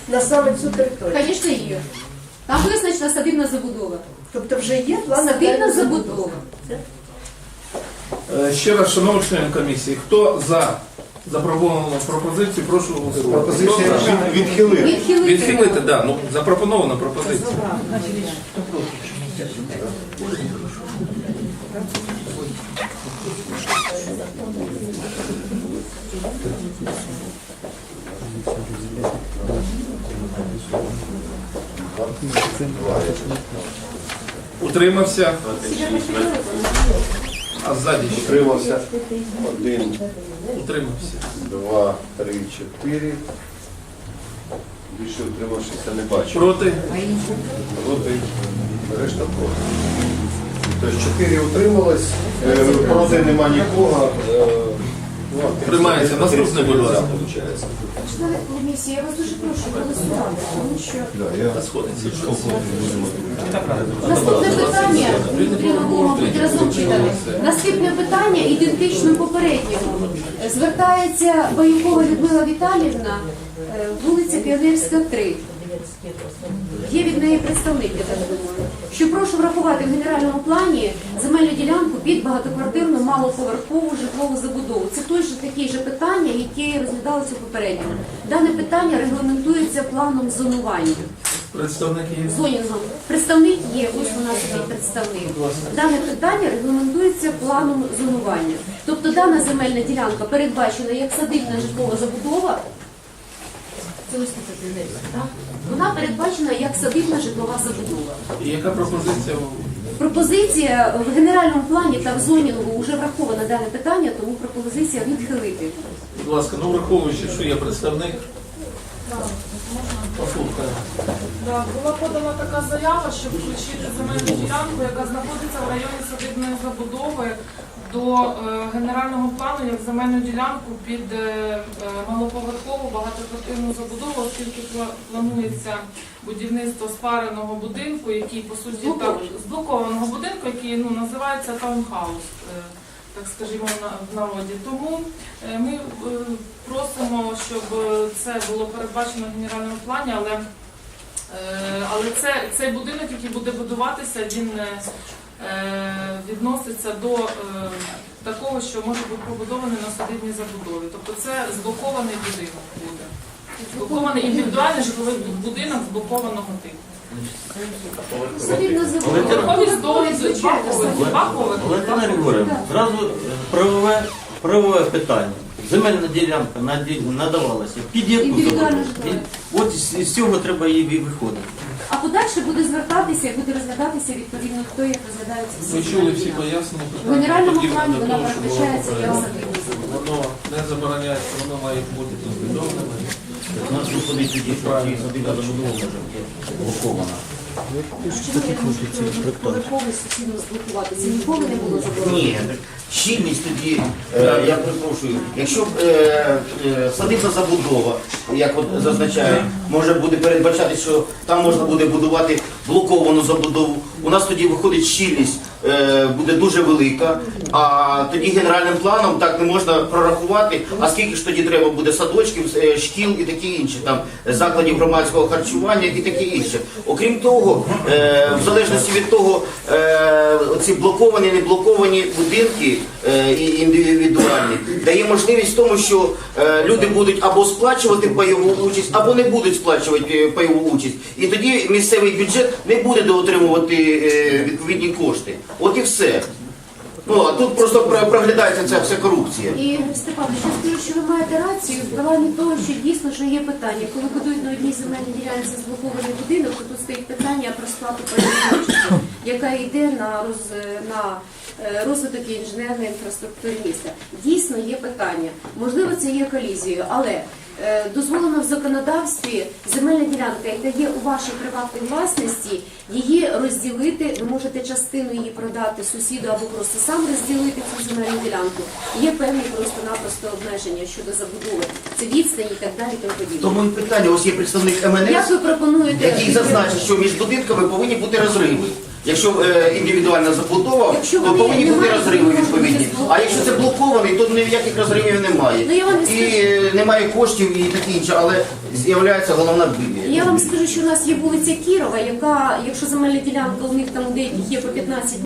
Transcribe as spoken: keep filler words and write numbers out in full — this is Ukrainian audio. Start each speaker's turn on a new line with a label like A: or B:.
A: на саме цю територію?
B: Звісно, є. Там визначена садибна забудова.
A: Тобто вже є план
B: Садибна забудова.
C: Е, Ще раз, шановні члени комісії, хто за запропоновану пропозицію, прошу голосувати.
D: Пропозиція
C: Хто за?
D: відхилити.
B: Відхилити.
C: Відхилити, так, да, ну запропонована пропозиція. Утримався. А ззаді ще
D: Утримався. Один,
C: утримався.
D: два, три, чотири. Більше утримавшися не бачу.
C: Проти?
D: Проти. Решта проти. Тобто чотири утрималось, е, проти нема нікого. е, ну, а
C: Приймається. Наступне, будь ласка.
D: виходить.
B: Члени комісії, я вас дуже прошу голосувати, тому що
C: Та сходиться.
B: наступне питання, потрібно було, мабуть, разом читати. Наступне питання ідентично попередньому. Звертається Баюкова Людмила Віталіївна, е, вулиця Піонерська, три. Є від неї представник, я так думаю. Що прошу врахувати в генеральному плані земельну ділянку під багатоквартирну малоповерхову житлову забудову. Це той же такий же питання, які розглядалися попередньо. Дане питання регламентується планом зонування.
C: Представник є.
B: Зонінгом. Представник є, ось у нас є представник. Дане питання регламентується планом зонування. Тобто дана земельна ділянка передбачена як садибна житлова забудова. Це ось тут, так? Вона передбачена як садибна житлова забудова.
C: І яка пропозиція?
B: Пропозиція в генеральному плані та в зонінгу вже враховано дане питання, тому пропозиція відхилити.
C: Будь ласка, ну враховуючи, що є представник. Послухаємо.
E: Да, була подана така заява, щоб включити земельну ділянку, яка знаходиться в районі садибної забудови, до е, генерального плану як земельну ділянку під е, е, малоповерхову багатоквартирну забудову, оскільки пла- планується будівництво спареного будинку, який по суті так зблокованого будинку, який ну називається таунхаус, е, так скажімо, на в народі. Тому е, ми е, просимо, щоб е, це було передбачено в генеральному плані, але Е, Але це, цей будинок, який буде будуватися, він е, відноситься до е, такого, що може бути побудований на садибній забудові. Тобто це зблокований будинок буде. Зблокований індивідуальний житловий будинок зблокованого типу.
B: Садибна забудова.
E: Поверховість до два поверхи. Два поверхи.
F: Валентина Григорівна, зразу правове, правове питання. Земельна ділянка наді- надавалася під яку
B: Індивідуально
F: забудову?
B: житлове.
F: От із, із цього треба і виходити.
B: А подальше буде звертатися, буде розглядатися відповідно, хто як розглядається всі
C: Ви чули
B: земельні
C: всі
B: ділянки.
C: пояснення?
B: В генеральному
C: Подібне
B: плані
C: до
B: вона
C: того, що було
B: передбачається як
C: попередньо.
B: садибна забудова.
C: Воно не забороняється, воно має бути послідовним.
F: У нас виходить тоді, що ці садибна забудова може бути блокована.
B: Чому я можу поверховий сусідом зблокуватися? Ніколи не було заборонено.
F: Ні, щільність тоді, е, я перепрошую, якщо б е, е, садибна забудова, як от зазначає, може буде передбачати, що там можна буде будувати блоковану забудову, у нас тоді виходить щільність, е, буде дуже велика, а тоді генеральним планом так не можна прорахувати, а скільки ж тоді треба буде садочків, е, шкіл і таке інше, там закладів громадського харчування і таке інше. Окрім того, е, в залежності від того, е, ці блоковані, не блоковані будинки е, і індивідуальні, дає можливість в тому, що е, люди будуть або сплачувати пайову участь, або не будуть сплачувати е, пайову участь. І тоді місцевий бюджет не буде доотримувати е, відповідні кошти. От і все. Ну, а тут просто про- проглядається ця вся корупція.
B: І, Степанович, я скажу, що ви маєте рацію в плані того, що дійсно що є питання. Коли будують на одній земельній ділянці зблокований будинок, то тут стоїть питання про сплату пайової, яка йде на, роз, на е, розвиток інженерної інфраструктури міста. Дійсно є питання. Можливо, це є колізією, але е, дозволено в законодавстві земельна ділянка, яка є у вашій приватній власності, її розділити, ви можете частину її продати сусіду або просто сам розділити цю земельну ділянку. Є певні просто-напросто обмеження щодо забудови. Це відстані і так далі, тому подібне.
F: Тому і питання, ось є представник Ем Ен
B: Як
F: Ес,
B: ви пропонуєте?
F: який зазначить, що між будинками повинні бути розриви. Якщо е, індивідуальна забудова,
B: Якщо
F: то
B: вони
F: повинні
B: не
F: бути
B: мають
F: розриви
B: можливості
F: відповідні. А якщо це блокований, то ніяких розривів немає.
B: Ну, я вам
F: І
B: скажу-
F: е, немає коштів і таке інше, але з'являється головна білія.
B: Я вам скажу, що у нас є вулиця Кірова, яка, якщо земельна ділянка у них там у деяких є по п'ятнадцять